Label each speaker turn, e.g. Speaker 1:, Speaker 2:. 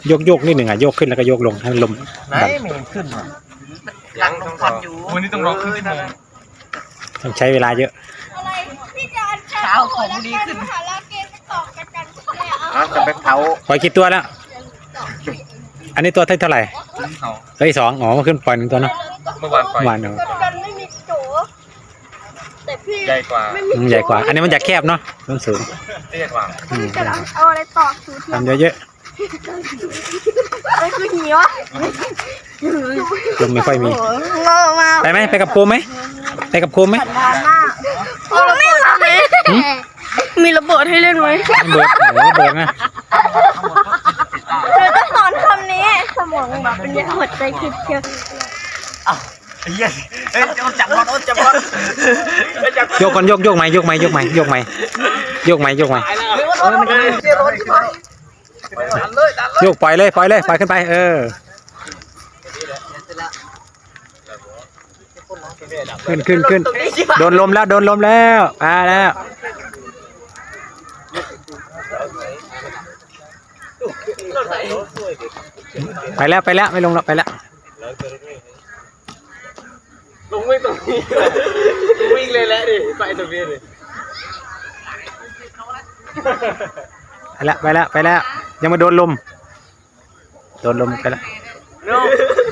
Speaker 1: โยกนิดหนึ่งโยกขึ้นแล้วก็โยกลงให้ลม
Speaker 2: ไหน
Speaker 1: ดัน
Speaker 2: ไม่เห็นขึ้นหลังต้องผ่อนอยู่วันนี้ต้องรอครึ่งชั่วโมง
Speaker 1: ต้องใช้เวลาเยอะ
Speaker 3: อะไรพี่จะอัน
Speaker 2: เช้าของดีขึ้น
Speaker 3: หาแล้วเกมไปต่อกันกันแล้ว
Speaker 2: จะไปเผา
Speaker 1: ปล่อยกี่ตัวแล้ว อันนี้ตัวเท่าไหร่
Speaker 2: เผา
Speaker 1: เฮ้ย2อ๋อมันขึ้นปล่อย1ตัวเนาะ
Speaker 2: เมื่อวานปล่อย
Speaker 1: วานเนาะ
Speaker 3: กันไม่มีโจแต่พี่
Speaker 2: ใหญ่กว่า
Speaker 1: ใหญ่กว่า อันนี้มันจะแคบเนาะมันสูง
Speaker 2: เตี้ยกว่า
Speaker 3: จะเอาอะไรต่อสูตร
Speaker 1: ทำเยอะ
Speaker 3: อะไรคือหิวอ่ะ
Speaker 1: ๆลมไม่ค่อยมี
Speaker 3: งอมา
Speaker 1: ไปไหมไปกับโคมไหมไปกับโคมไหม
Speaker 3: ดราม่าไม่มามีระเบิดให้เล่นไหม
Speaker 1: เบิดเบิดนะ
Speaker 3: เธอต้องสอนคำนี้สมองแบบเป็นหัวใจคิดเชียว
Speaker 2: เฮ้ยจับบอลจับบอล
Speaker 1: โยกก่อนโยกไหมโยกไหมโยกไหมโยกไหมโยกไหมโยกไหมโยกปล่อยเลยปล่อยขึ้นไปขึ้นโดนลมแล้วมาแล้วไปแล้วไม่ลงแล้วไปแล้ว
Speaker 2: ลงวิ่งตรงนี้วิ่งเลยแหละดิไปตรงนี้ดิ
Speaker 1: ไปแล้วยังไม่โดนลมไปแล้ว
Speaker 2: No